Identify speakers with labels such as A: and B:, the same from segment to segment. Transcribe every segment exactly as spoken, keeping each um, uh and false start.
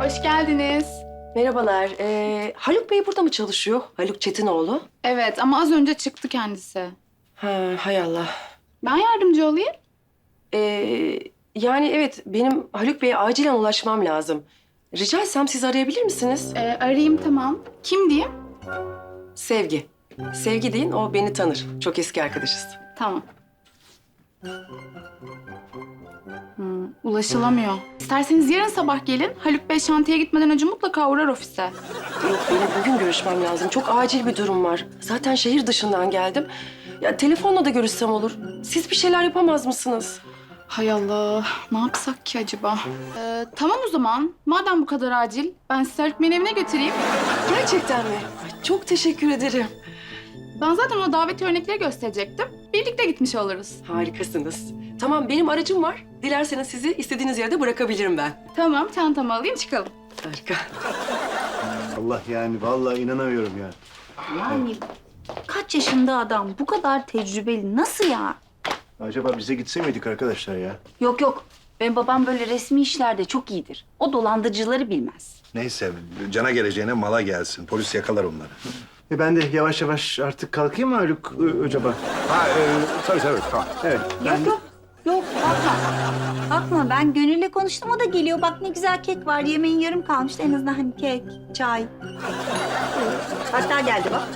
A: Hoş geldiniz.
B: Merhabalar. Ee, Haluk Bey burada mı çalışıyor? Haluk Çetinoğlu.
A: Evet ama az önce çıktı kendisi.
B: Ha, hay Allah.
A: Ben yardımcı olayım.
B: Ee, yani evet, benim Haluk Bey'e acilen ulaşmam lazım. Rica etsem siz arayabilir misiniz?
A: Ee, arayayım tamam. Kim diyeyim?
B: Sevgi. Sevgi deyin, o beni tanır. Çok eski arkadaşız.
A: Tamam. Hmm, ulaşılamıyor. İsterseniz yarın sabah gelin. Haluk Bey şantiye gitmeden önce mutlaka uğrar ofise.
B: Yok, benim bugün görüşmem lazım. Çok acil bir durum var. Zaten şehir dışından geldim. Ya telefonla da görüşsem olur. Siz bir şeyler yapamaz mısınız?
A: Hay Allah. Ne yapsak ki acaba? Ee, tamam o zaman. Madem bu kadar acil, ben sizi Haluk Bey'in evine götüreyim.
B: Gerçekten mi? Ay, çok teşekkür ederim.
A: Ben zaten ona daveti örnekleri gösterecektim. Birlikte gitmiş oluruz.
B: Harikasınız. Tamam, benim aracım var. Dilerseniz sizi istediğiniz yerde bırakabilirim ben.
A: Tamam, çantamı alayım çıkalım.
B: Harika.
C: Allah yani vallahi inanamıyorum ya.
D: Yani kaç yaşında adam bu kadar tecrübeli nasıl ya?
C: Acaba bize gitse miydik arkadaşlar ya?
D: Yok yok benim babam böyle resmi işlerde çok iyidir. O dolandırıcıları bilmez.
E: Neyse, cana geleceğine mala gelsin. Polis yakalar onları.
C: E ben de yavaş yavaş artık kalkayım mı Haluk Ö- acaba?
E: Ha, e, tabii tabii, tamam.
C: Evet.
D: Yok yok yok kalkma. Kalkma ben Gönül'le konuştum o da geliyor. Bak ne güzel kek var yemeğin yarım kalmıştı en azından hani kek, çay. Hatta geldi bak.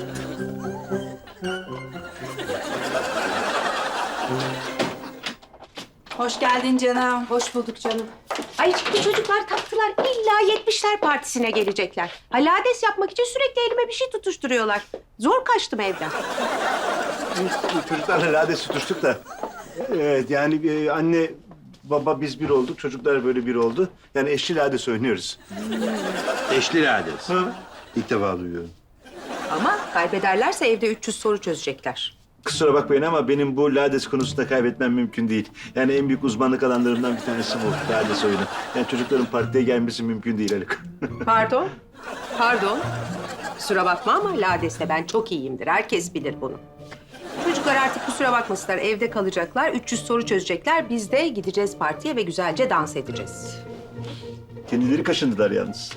F: Hoş geldin canım.
G: Hoş bulduk canım. Ay şimdi çocuklar taktılar. İlla yetmişler partisine gelecekler. Halades yapmak için sürekli elime bir şey tutuşturuyorlar. Zor kaçtım evden.
C: Çocuklarla lades tutuştuk da. Evet yani e, anne baba biz bir olduk. Çocuklar böyle bir oldu. Yani eşli lades oynuyoruz.
E: Eşli lades.
C: Ha?
E: İlk defa duyuyorum.
G: Ama kaybederlerse evde üç yüz soru çözecekler.
C: Kusura bakmayın ama benim bu lades konusunda kaybetmem mümkün değil. Yani en büyük uzmanlık alanlarımdan bir tanesi bu lades oyunu. Yani çocukların partiye gelmesi mümkün değil Haluk.
G: Pardon. Pardon. Kusura bakma ama Lades'te ben çok iyiyimdir. Herkes bilir bunu. Çocuklar artık kusura bakmasınlar. Evde kalacaklar. üç yüz soru çözecekler. Biz de gideceğiz partiye ve güzelce dans edeceğiz.
C: Kendileri kaşındılar yalnız.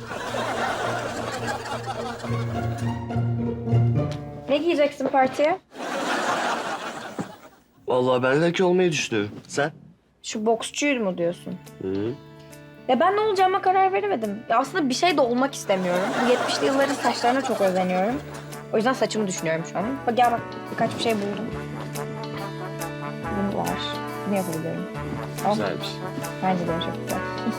H: Ne giyeceksin partiye?
I: Vallahi ben laki olmayı düşünüyorum. Sen?
H: Şu boksçuyum mu diyorsun? Hı. Ya ben ne olacağıma karar veremedim. Ya aslında bir şey de olmak istemiyorum. Bu yetmişli yılların saçlarına çok özeniyorum. O yüzden saçımı düşünüyorum şu an. Bak gel bak birkaç bir şey buldum. Bunu var. Bunu yapabilirim. Ama
I: Güzelmiş.
H: bence de çok güzel.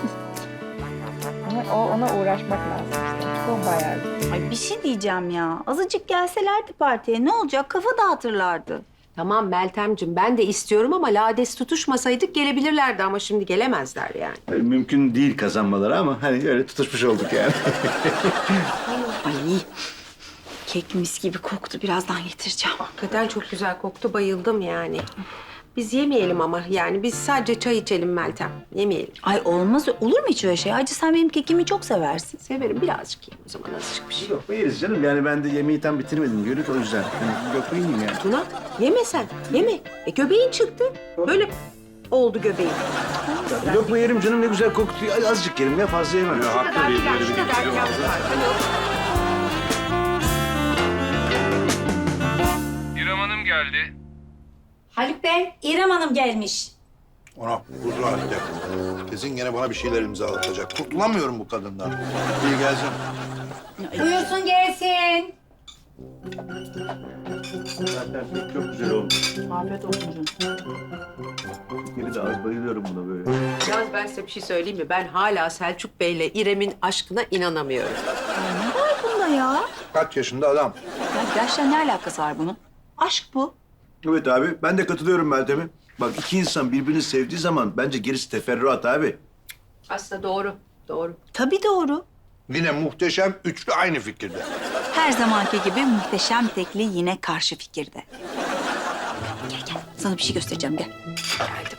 H: Ama o, ona uğraşmak lazım işte. Bu bayağı güzel.
D: Ay bir şey diyeceğim ya. Azıcık gelselerdi partiye ne olacak kafa dağıtırlardı.
G: Tamam Meltemciğim ben de istiyorum ama Lades tutuşmasaydık gelebilirlerdi ama şimdi gelemezler yani.
C: Yani mümkün değil kazanmaları ama hani öyle tutuşmuş olduk yani.
D: Ay kek mis gibi koktu birazdan getireceğim.
G: Hakikaten çok güzel koktu, bayıldım yani. Biz yemeyelim ama yani biz sadece çay içelim Meltem. Yemeyelim.
D: Ay olmaz olur mu hiç öyle şey? Acı sen benim kekimi çok seversin.
G: Severim birazcık yiyeyim o zaman azıcık bir şey.
C: Yok yeriz canım yani ben de yemeği tam bitirmedim Gönül o yüzden. Yani yok yiyeyim yani.
G: Tuna yeme sen, yeme. E göbeğin çıktı. Böyle oldu göbeğin.
C: Yok mu yerim canım ne güzel koktu. Ay, azıcık yerim ya fazla yemem.
E: Ya, haklı
G: Kadar
E: bir
G: filan,
E: yeri
G: şu
E: bir
G: kadar
E: getiriyor
G: filan
E: vallahi.
G: var. Hani o-
J: İrem Hanım geldi.
F: Haluk Bey, İrem Hanım gelmiş.
E: Ona huzur halde. Kesin gene bana bir şeyler imzalatacak. Kurtulamıyorum bu kadından. İyi gelsin.
F: Buyursun gelsin.
C: Zaten pek çok güzel olmuş.
D: Afiyet olsun canım.
C: Geri de az bayılıyorum buna böyle.
G: Yalnız ben size bir şey söyleyeyim mi? Ben hala Selçuk Bey'le İrem'in aşkına inanamıyorum.
D: Ne var bunda ya?
E: Kaç yaşında adam?
D: Ya gerçekten ne alakası var bunun? Aşk bu.
C: Evet abi ben de katılıyorum Meltem'e. Bak iki insan birbirini sevdiği zaman bence gerisi teferruat abi.
G: Aslında doğru, doğru.
D: Tabii doğru.
E: Yine muhteşem üçlü aynı fikirde.
D: Her zamanki gibi muhteşem tekli yine karşı fikirde. Gel gel sana bir şey göstereceğim gel.
G: Geldim.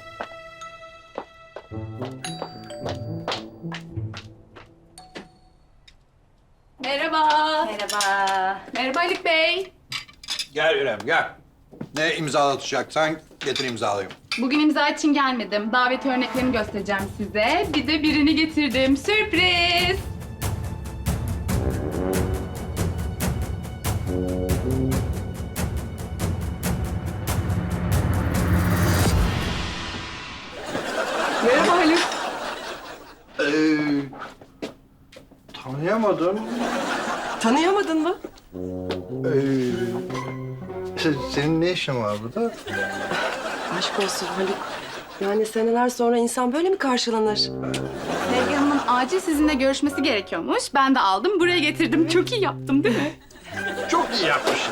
A: Merhaba.
D: Merhaba.
A: Merhaba Haluk Bey.
E: Gel İrem gel. Ne imzalatacaksan getir imzalayayım.
A: Bugün imza için gelmedim. Davet örneklerini göstereceğim size. Bir de birini getirdim. Sürpriz!
G: Merhaba Haluk.
E: Ee, tanıyamadım.
B: Tanıyamadın mı?
E: Ee, se- senin ne işin var burada?
B: Aşk olsun Haluk. Yani seneler sonra insan böyle mi karşılanır?
A: Sevgi Hanım'ın acil sizinle görüşmesi gerekiyormuş. Ben de aldım, buraya getirdim. Çok iyi yaptım değil mi?
E: Çok iyi yapmışsın.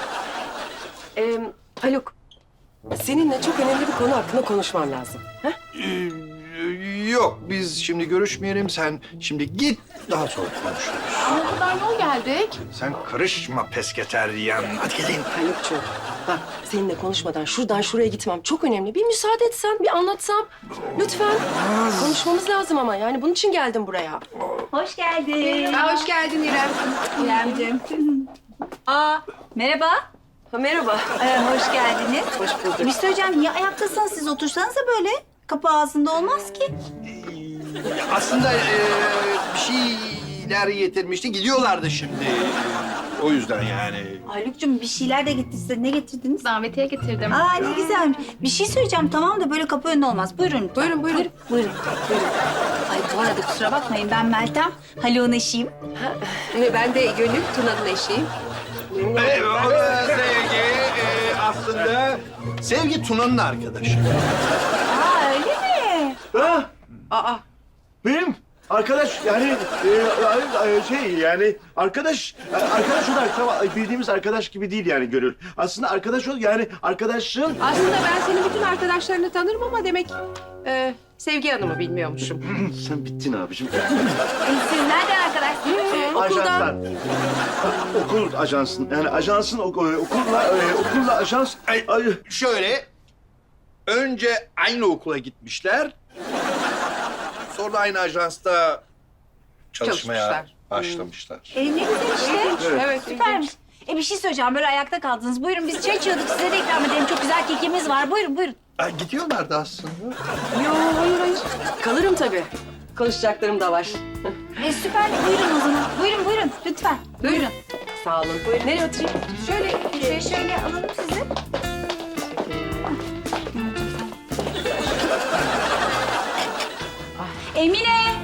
B: Ee, Haluk, seninle çok önemli bir konu hakkında konuşmam lazım. Ha?
E: Ee, yok, biz şimdi görüşmeyelim. Sen şimdi git, daha sonra konuşuruz.
A: Ama o kadar yol geldik.
E: Sen karışma pesketeryen. Hadi gelin.
B: Haluk'cuğum, bak seninle konuşmadan şuradan şuraya gitmem çok önemli. Bir müsaade etsen, bir anlatsam. Lütfen. Konuşmamız lazım ama yani bunun için geldim buraya.
D: Hoş geldin.
G: Ha, hoş geldin İrem.
D: İremciğim. Aa, merhaba.
B: Ha, merhaba.
D: Ee, hoş geldiniz.
B: Hoş bulduk.
D: Müslü Hocam niye ayaktasınız? Siz otursanıza böyle. Kapı ağzında olmaz ki.
E: Aslında ee, bir şeyler getirmişti. Gidiyorlardı şimdi. O yüzden yani.
D: Haluk'cum bir şeyler de getirdi size. Ne getirdiniz?
A: Davetiye getirdim.
D: Aa ne güzel. Bir şey söyleyeceğim tamam da böyle kapı önünde olmaz. Buyurun.
G: Buyurun, buyurun.
D: Buyurun. Buyurun. buyurun. Ay bu arada kusura bakmayın ben Meltem. Haluk'un eşiyim.
G: Ee, Ben de Gönül, Tuna'nın eşiyim.
E: Ee, o da Sevgi ee, aslında Sevgi Tuna'nın arkadaşı.
D: Aa öyle mi?
C: Ha,
G: Aa,
C: benim arkadaş yani e, e, şey yani arkadaş e, arkadaş olarak tamam bildiğimiz arkadaş gibi değil yani Gönül. Aslında arkadaş ol yani arkadaşın
G: aslında ben senin bütün arkadaşlarını tanırım ama demek e, Sevgi Hanım'ı bilmiyormuşum.
C: sen bittin abicim.
D: E, siz nereden arkadaşsınız?
C: Ajanslar. Okul ajansın. Yani ajansın ok- e, okulla e, okulla ajans.
E: Ay,
C: Ay,
E: şöyle, önce aynı okula gitmişler. Sonra aynı ajansta çalışmaya
G: Çalışmışlar.
E: başlamışlar.
D: E, ne güzel işte.
C: Evet.
G: Evet,
D: Süpermiş. E bir şey söyleyeceğim. Böyle ayakta kaldınız. Buyurun biz çay içiyorduk. Size de ikram edelim. Çok güzel kekimiz var. Buyurun buyurun.
E: Ay, gidiyorlardı aslında.
B: Yo, hayır hayır. Kalırım tabii. Konuşacaklarım da var.
D: E süper. Buyurun o zaman. Buyurun buyurun. Lütfen. Buyurun.
B: Sağ olun. Buyurun. Nereye oturayım?
D: Şöyle şöyle, şöyle alalım sizi. Emine!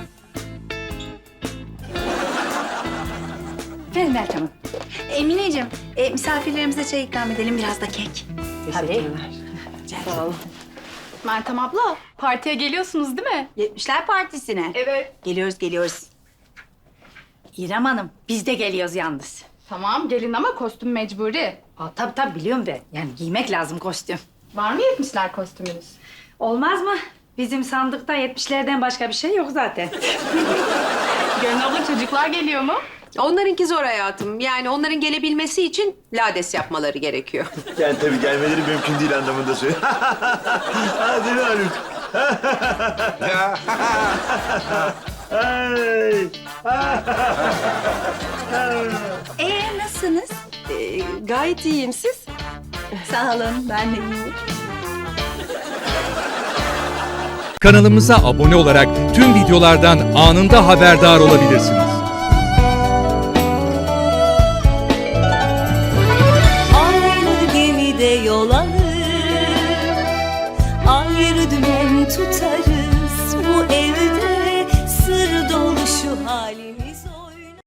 D: Efendim Meltem Hanım. Emineciğim, e, misafirlerimize çay ikram edelim. Biraz da kek.
B: Teşekkürler. Sağ olun.
A: Meltem abla, partiye geliyorsunuz değil mi?
D: Yetmişler Partisi'ne.
A: Evet.
D: Geliyoruz, geliyoruz. İrem Hanım, biz de geliyoruz yalnız.
A: Tamam, gelin ama kostüm mecburi.
D: Aa, tabii tabii biliyorum ben. Yani giymek lazım kostüm.
A: Var mı yetmişler kostümünüz?
F: Olmaz mı? Bizim sandıkta yetmişlerden başka bir şey yok zaten.
A: Gönül abla çocuklar geliyor mu?
G: Onlarınki zor hayatım. Yani onların gelebilmesi için lades yapmaları gerekiyor.
C: Yani tabii gelmeleri mümkün değil anlamında söylüyorum. Ha değil mi Haluk? Ay.
D: Ee, nasılsınız?
B: Ee, gayet iyiyim siz.
D: Sağ olun, ben de iyiyim.
J: Kanalımıza abone olarak tüm videolardan anında haberdar olabilirsiniz.
K: Aynı gemide yol alır, ayrı dümen tutarız. Bu evde sır dolu şu halimiz.